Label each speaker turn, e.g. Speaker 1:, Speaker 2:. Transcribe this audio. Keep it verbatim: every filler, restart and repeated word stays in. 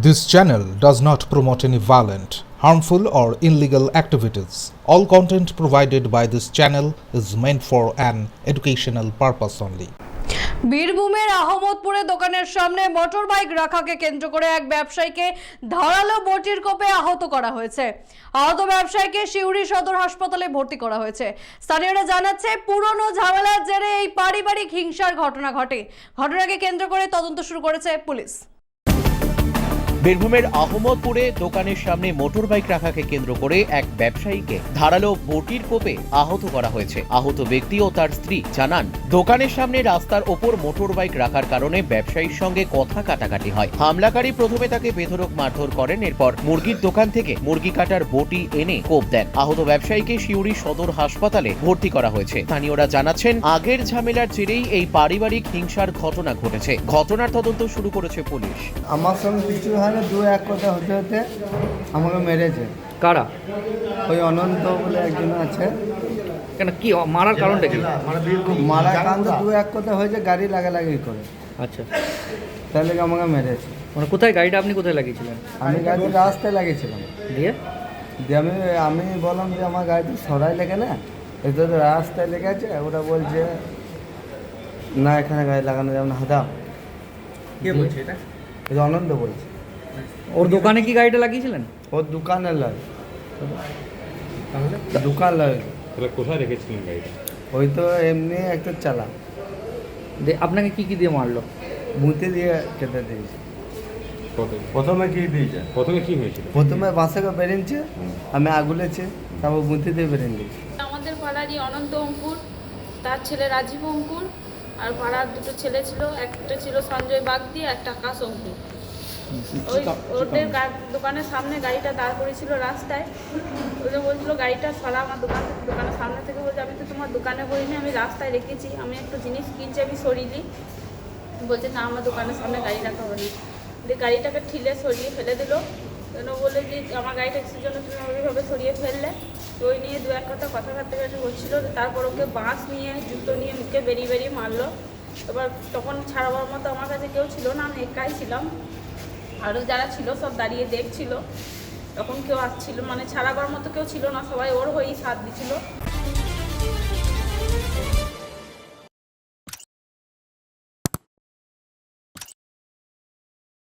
Speaker 1: This channel does not promote any violent, harmful, or illegal activities. All content provided by this channel is meant for an educational purpose only.
Speaker 2: বীরভূমের আহমদপুরে দোকানের সামনে motor bike রাখাকে কেন্দ্র করে এক ব্যবসায়ীকে ধারালো বটির কোপে আহত করা হয়েছে। আহত ব্যবসায়ীকে সিউড়ি সদর হাসপাতালে ভর্তি করা হয়েছে। স্থানীয়রা জানাচ্ছে পুরনো ঝামেলার জেরে এই পারিবারিক হিংসার ঘটনা ঘটে। ঘটনাকে কেন্দ্র করে তদন্ত শুরু করেছে পুলিশ।
Speaker 3: বীরভূমের আহমদপুরে দোকানের সামনে মোটর বাইক রাখাকে কেন্দ্র করে এক ব্যবসায়ীকে ধারালো বটির কোপে আহত করা হয়েছে। আহত ব্যক্তি ও তার স্ত্রী জানান, দোকানের সামনে রাস্তার ওপর মোটর বাইক রাখার কারণে ব্যবসায়ীর সঙ্গে কথা কাটাকাটি হয়। হামলাকারী প্রথমে তাকে বেধড়ক মারধর করেন, এরপর মুরগির দোকান থেকে মুরগি কাটার বটি এনে কোপ দেন। আহত ব্যবসায়ীকে সিউড়ি সদর হাসপাতালে ভর্তি করা হয়েছে। স্থানীয়রা জানাচ্ছেন, আগের ঝামেলার জেরেই এই পারিবারিক হিংসার ঘটনা ঘটেছে। ঘটনার তদন্ত শুরু করেছে পুলিশ।
Speaker 4: আমার সঙ্গে কিছু হয় না, দু এক কথা হতে হতে আমাকে মেরেছে।
Speaker 5: কারা?
Speaker 4: ওই অনন্ত বলে একজন আছে।
Speaker 5: কেন, কি মারার কারণটা কি?
Speaker 4: মারা কান্দ দু এক কথা হয়েছে, গাড়ি লাগালাগি করে।
Speaker 5: আচ্ছা,
Speaker 4: তাহলে আমাকে মেরেছে।
Speaker 5: মানে কোথায় গাড়িটা আপনি কোথায় লাগিয়েছিলেন?
Speaker 4: আমি গাড়ি রাস্তায় লাগিয়েছিলাম।
Speaker 5: দিয়ে
Speaker 4: দিয়ে আমি আমি বললাম যে আমার গাড়িটা সরাই লেগে না, এটা তো রাস্তায় লেগে আছে। ওরা বলছে না, এখানে গাড়ি লাগানো যাবে না, হাদাম।
Speaker 5: কে বলছে এটা?
Speaker 4: এটা অনন্ত বলছে।
Speaker 5: ওর দোকানে কি গাড়িটা লাগিয়েছিলেন?
Speaker 4: ওর দোকানে লয়, দোকান লয়।
Speaker 6: তাহলে কোথায় রেখেছিলেন গাড়িটা?
Speaker 4: ওই তো এমনি একটা চালা।
Speaker 5: দিয়ে আপনাকে কি কি দিয়ে মারলো?
Speaker 4: মুতে দিয়ে কেটে দিয়েছে।
Speaker 6: প্রথমে কি দিয়েছে? প্রথমে কি হয়েছিল?
Speaker 4: প্রথমে বাসাকে বেরিয়েছে, আমি আগুলেছে, তারপর মুতে দিয়ে বেরিয়ে দিয়েছি।
Speaker 7: আমাদের পাড়ারই অনন্ত অঙ্কুর, তার ছেলে রাজীব অঙ্কুর, আর পাড়ার দুটো ছেলে ছিল, একটা ছিল সঞ্জয় বাগদি, একটা আকাশ অঙ্কুর। ওই ওদের দোকানের সামনে গাড়িটা দাঁড় করেছিল রাস্তায়। ওদের বলছিল গাড়িটা সরা আমার দোকান থেকে, দোকানের সামনে থেকে। বলছে আমি তো তোমার দোকানে বলিনি, আমি রাস্তায় রেখেছি, আমি একটা জিনিস কিনছি, আমি সরিয়ে দিই। বলছে না, আমার দোকানের সামনে গাড়ি রাখা হবে না। দিয়ে গাড়িটাকে ঠিলে সরিয়ে ফেলে দিল। কেন বলে যে আমার গাড়িটা কিসের জন্য তুমি ওইভাবে সরিয়ে ফেললে। তো ওই নিয়ে দু এক কথা কথা কাটাকাটি হচ্ছিলো। তারপর ওকে বাঁশ নিয়ে জুতো নিয়ে মুখে বেরিয়ে বেরিয়ে মারলো। এবার তখন ছাড়াবার মতো আমার কাছে কেউ ছিল না, আমি একাই ছিলাম। আরও যারা ছিল সব দাঁড়িয়ে দেখছিল। তখন কেউ আসছিল, মানে ছাড়াবার মতো কেউ ছিল না, সবাই ওর হয়েই সাথ দিছিল।